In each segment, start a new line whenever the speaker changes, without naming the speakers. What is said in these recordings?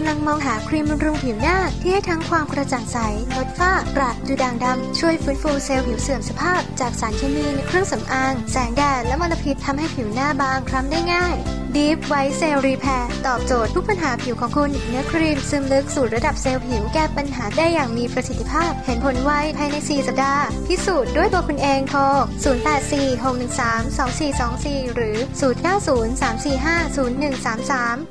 ำลังมองหาครีมบำรุงผิวหน้าที่ให้ทั้งความกระจ่างใสลดฝ้ากระจุดด่างดำช่วยฟื้นฟูเซลล์ผิวเสื่อมสภาพจากสารเคมีในเครื่องสำอางแสงแดดและมลพิษทำให้ผิวหน้าบางคล้ำได้ง่าย Deep White Cell Repair ตอบโจทย์ทุกปัญหาผิวของคุณเนื้อครีมซึมลึกสู่ระดับเซลล์ผิวแก้ปัญหาได้อย่างมีประสิทธิภาพเห็นผลไวภายใน 4 สัปดาห์พิสูจน์ด้วยตัวคุณเองโทร 0846132424 หรือ 0903450133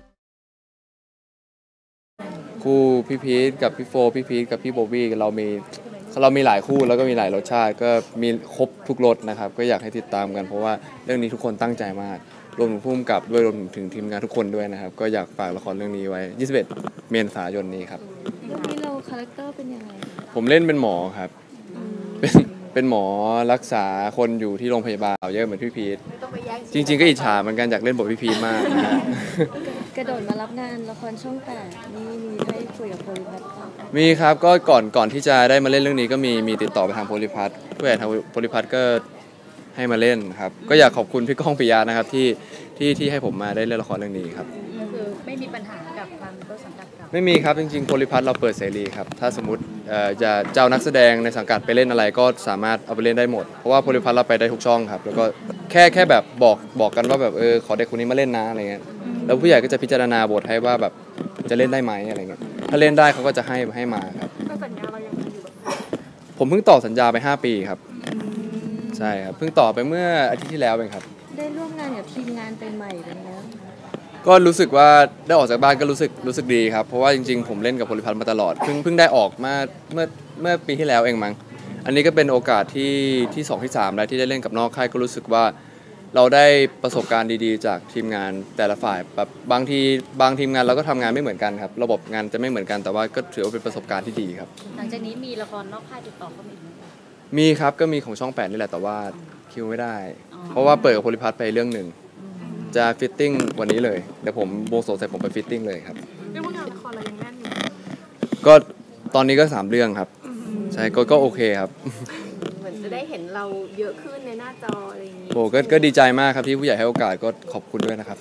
คู่พี่พีทกับพี่โฟพี่พีทกับพี่โบวี่เรามีหลายคู่แล้วก็มีหลายรสชาติก็มีครบทุกรสนะครับก็อยากให้ติดตามกันเพราะว่าเรื่องนี้ทุกคนตั้งใจมากรวมถึงผู้กำกับด้วยรวมถึงทีมงานทุกคนด้วยนะครับก็อยากฝากละครเรื่องนี้ไว้21เมษายนนี้ครับ
เรื่องนี้เราคาแรคเตอร์เป็นยังไง
ผมเล่นเป็นหมอครับเป็นหมอรักษาคนอยู่ที่โรงพยาบาลเยอะเหมือนพี่พีทจริงๆก็อิจฉาเหมือนกันอยากเล่นบทพี่พีทมากนะ
กระโดดมารับงานละครช่อง8นี่มีให้คุยกับโพลิพัท
มีครับก็ก่อนที่จะได้มาเล่นเรื่องนี้ก็มีติดต่อไปทางโพลิพัทผู้ใหญ่ทางโพลิพัทก็ให้มาเล่นครับก็อยากขอบคุณพี่ก้องปิยะนะครับที่ให้ผมมาได้เล่นละครเรื่องนี้ครับ
ก็คือไม่มีปัญหากับทางต้นสังกัดกับ
ไม่มีครับจริงๆโพลิพัทเราเปิดเสรีครับถ้าสมมติจะเจ้านักแสดงในสังกัดไปเล่นอะไรก็สามารถเอาไปเล่นได้หมดเพราะว่าโพลิพัทเราไปได้ทุกช่องครับแล้วก็แค่แบบบอกกันว่าแบบขอเด็กคนนี้มาเล่นนะอะไรเงี้ยแล้วผู้ใหญ่ก็จะพิจารณาบทให้ว่าแบบจะเล่นได้ไหมอะไรเงี้ยถ้าเล่นได้เขาก็จะให้มาครับ
สัญญาเรายังอยู่
ผมเพิ่งต่อสัญญาไป5 ปีครับใช่ครับเพิ่งต่อไปเมื่ออาทิตย์ที่แล้วเองครับ
ได้ร่วมงานกับทีมงานไปใหม่เป็นไง
ก็รู้สึกว่าได้ออกจากบ้านก็รู้สึกดีครับเพราะว่าจริงๆผมเล่นกับโพลิพัทมาตลอดเพิ่งได้ออกมาเมื่อปีที่แล้วเองมั้งอันนี้ก็เป็นโอกาสที่2ที่3แล้วที่ได้เล่นกับนอกค่ายก็รู้สึกว่าเราได้ประสบการณ์ดีๆจากทีมงานแต่ละฝ่ายแบบบางทีมงานเราก็ทำงานไม่เหมือนกันครับระบบงานจะไม่เหมือนกันแต่ว่าก็ถือว่าเป็นประสบการณ์ที่ดีครับ
หลังจากนี้มีละครนอกค่ายติดต่อเข้ามาอีกไหม
มีครับก็มีของช่อง8นี่แหละแต่ว่าคิวไม่ได้เพราะว่าเปิดกับโพลิพัทไปเรื่องหนึ่งจะฟิตติ้งวันนี้เลยเดี๋ยวผมวงสงเสร็จผมไปฟิตติ้งเลยครับ
เรื่องงานละครเรายังแน่นอยู่
ก็ตอนนี้ก็3 เรื่องครับใช่ก็โอเคครับ
เหมือนจะได้เห็นเราเยอะขึ้นในหน้าจออะไรอย่างนี้
โอ้ก็ดีใจมากครับที่ผู้ใหญ่ให้โอกาสก็ขอบคุณด้วยนะครับ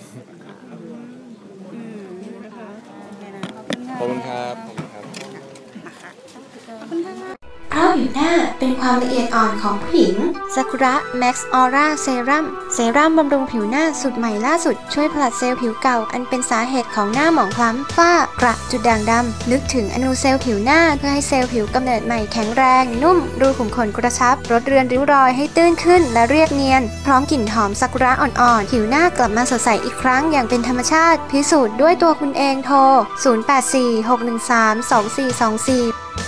ขอบคุณครับ
เพราะผิวหน้าเป็นความละเอียดอ่อนของผู้หญิงซากุระแม็กซ์ออร่าเซรั่มบำรุงผิวหน้าสูตรใหม่ล่าสุดช่วยผลัดเซลล์ผิวเก่าอันเป็นสาเหตุของหน้าหมองคล้ำฝ้ากระจุดด่างดำลึกถึงอนูเซลล์ผิวหน้าเพื่อให้เซลล์ผิวกำเนิดใหม่แข็งแรงนุ่มรูขุมขนกระชับลดเรือนริ้วรอยให้ตื้นขึ้นและเรียบเนียนพร้อมกลิ่นหอมซากุระอ่อนๆผิวหน้ากลับมาสดใสอีกครั้งอย่างเป็นธรรมชาติพิสูจน์ด้วยตัวคุณเองโทร 0846132424